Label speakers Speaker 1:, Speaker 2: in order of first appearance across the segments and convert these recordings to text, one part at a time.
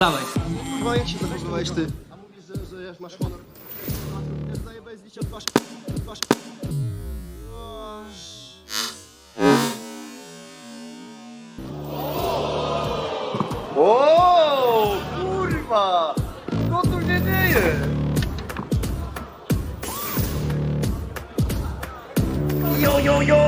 Speaker 1: Dawaj.
Speaker 2: Chyba jak się zachowywałeś ty? A mówisz, że jak masz honor. Zajebałeś z liścia twarz.
Speaker 3: O, kurwa! Co tu się dzieje? Jo, jo, jo!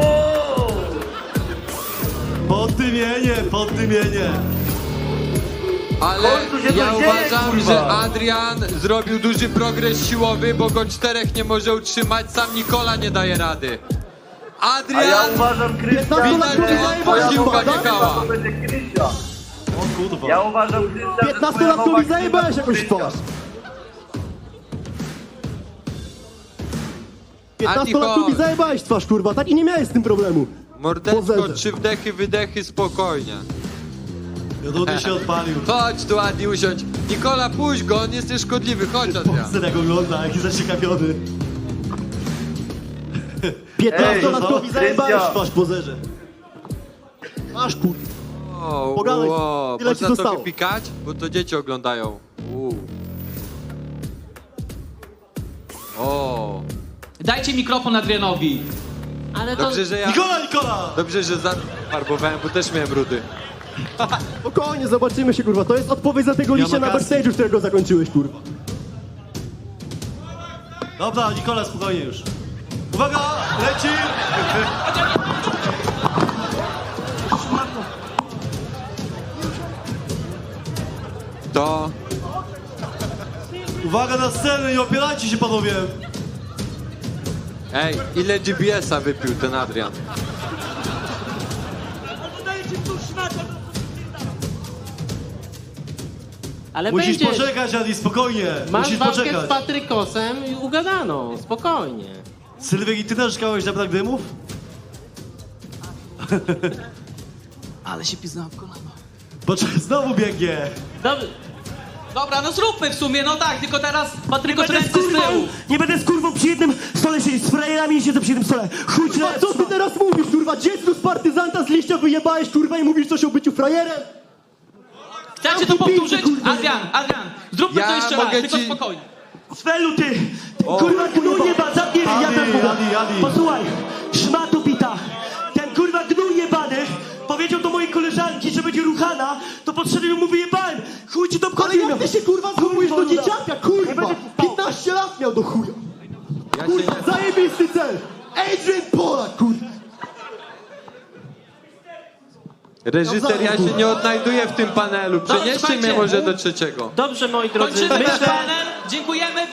Speaker 4: Poddymienie.
Speaker 5: Ale
Speaker 3: końcu się to
Speaker 5: ja
Speaker 3: dzieje,
Speaker 5: uważam,
Speaker 3: kurwa.
Speaker 5: że Adrian zrobił duży progres siłowy, bo go czterech nie może utrzymać, sam Nikola nie daje rady.
Speaker 3: A ja
Speaker 5: Adrian!
Speaker 3: uważam, Krystian,
Speaker 5: Widać,
Speaker 3: że
Speaker 5: że
Speaker 3: twoja
Speaker 5: piłka nie
Speaker 3: nowa
Speaker 5: kała.
Speaker 3: to będzie Krystian.
Speaker 4: O kurwa.
Speaker 3: Ja uważam, Krystian, że
Speaker 2: 15-latkowi zajebałeś jakoś w twarz. 15-latkowi zajebałeś w twarz, kurwa, tak i nie miałeś z tym problemu.
Speaker 5: Mordeczko,
Speaker 2: Pozerze.
Speaker 5: 3 wdechy, wydechy, spokojnie.
Speaker 4: Jodony się odpalił.
Speaker 5: Chodź tu, Adi, usiądź. Nikola, puść go, on jest nieszkodliwy, chodź, Adrian.
Speaker 4: Syn jak ogląda, jaki zaciekawiony.
Speaker 2: 15-latkowi
Speaker 3: Ej,
Speaker 2: zajebałeś w
Speaker 3: Krystian.
Speaker 2: twarz, pozerze. Masz, kurwa.
Speaker 5: O,
Speaker 2: Pogadaj,
Speaker 5: o,
Speaker 2: tyle ci
Speaker 5: można to
Speaker 2: zostało.
Speaker 5: wypikać? Bo to dzieci oglądają. O,
Speaker 1: Dajcie mikrofon Adrianowi. Ale to...
Speaker 5: dobrze, że ja...
Speaker 4: Nikola!
Speaker 5: Dobrze, że farbowałem, bo też miałem rudy.
Speaker 2: Spokojnie, zobaczymy się, kurwa. To jest odpowiedź za tego liścia na
Speaker 4: wakacje.
Speaker 2: backstage'u, którego zakończyłeś, kurwa.
Speaker 4: Dobra, Nikola, spokojnie już. Uwaga, leci!
Speaker 5: To...
Speaker 4: Uwaga na scenę, nie opierajcie się, panowie!
Speaker 5: Ej, ile GBS-a wypił ten Adrian?
Speaker 6: Ale
Speaker 4: Musisz
Speaker 6: będzie.
Speaker 4: poczekać, Adi, spokojnie.
Speaker 6: Masz
Speaker 4: Musisz
Speaker 6: walkę z
Speaker 4: poczekać.
Speaker 6: Patrykosem i ugadano, spokojnie.
Speaker 4: Sylwek, i ty też czekałeś na brak dymów?
Speaker 1: Ale się piznąłem w kolano.
Speaker 4: Poczekaj, znowu biegnie.
Speaker 1: Dobra, no zróbmy w sumie, no tak, tylko teraz Patryko ręce z tyłu.
Speaker 7: Nie będę z kurwą przy jednym stole siedzieć, z frajerami siedzę przy jednym stole. Chuj ci na
Speaker 2: A co ty teraz mówisz, kurwa? Dziecko z partyzanta z liścia wyjebałeś, kurwa, i mówisz coś o byciu frajerem?
Speaker 1: Chcecie to powtórzyć? Adrian, zróbmy
Speaker 5: Ja
Speaker 1: to jeszcze raz,
Speaker 5: mogę
Speaker 1: tylko
Speaker 5: ci-
Speaker 1: spokojnie.
Speaker 7: Svelu ty! Kurwa gnój jeba, zamknij ryj, ja
Speaker 4: Adi,
Speaker 7: tam mówię.
Speaker 4: Adi.
Speaker 7: Posłuchaj, szmato bita. Ten kurwa gnój jebany powiedział do mojej koleżanki, że będzie ruchana, to podszedłem i mu wyjebałem. Chuj ci to
Speaker 2: Ale
Speaker 7: obchodzi.
Speaker 2: jak ty się, kurwa, zachowujesz do
Speaker 7: Kurwa,
Speaker 2: dzieciaka, kurwa? 15 lat miał do chuja.
Speaker 5: Ja
Speaker 2: Kurwa,
Speaker 5: cię
Speaker 2: zajebisty cel. Adrian Polak, kurwa.
Speaker 5: Reżyser, ja się nie odnajduję w tym panelu. Przenieście mnie
Speaker 1: słuchajcie.
Speaker 5: może do trzeciego.
Speaker 6: Dobrze, moi drodzy,
Speaker 1: Kończymy ten
Speaker 6: myślę,
Speaker 1: panel, dziękujemy.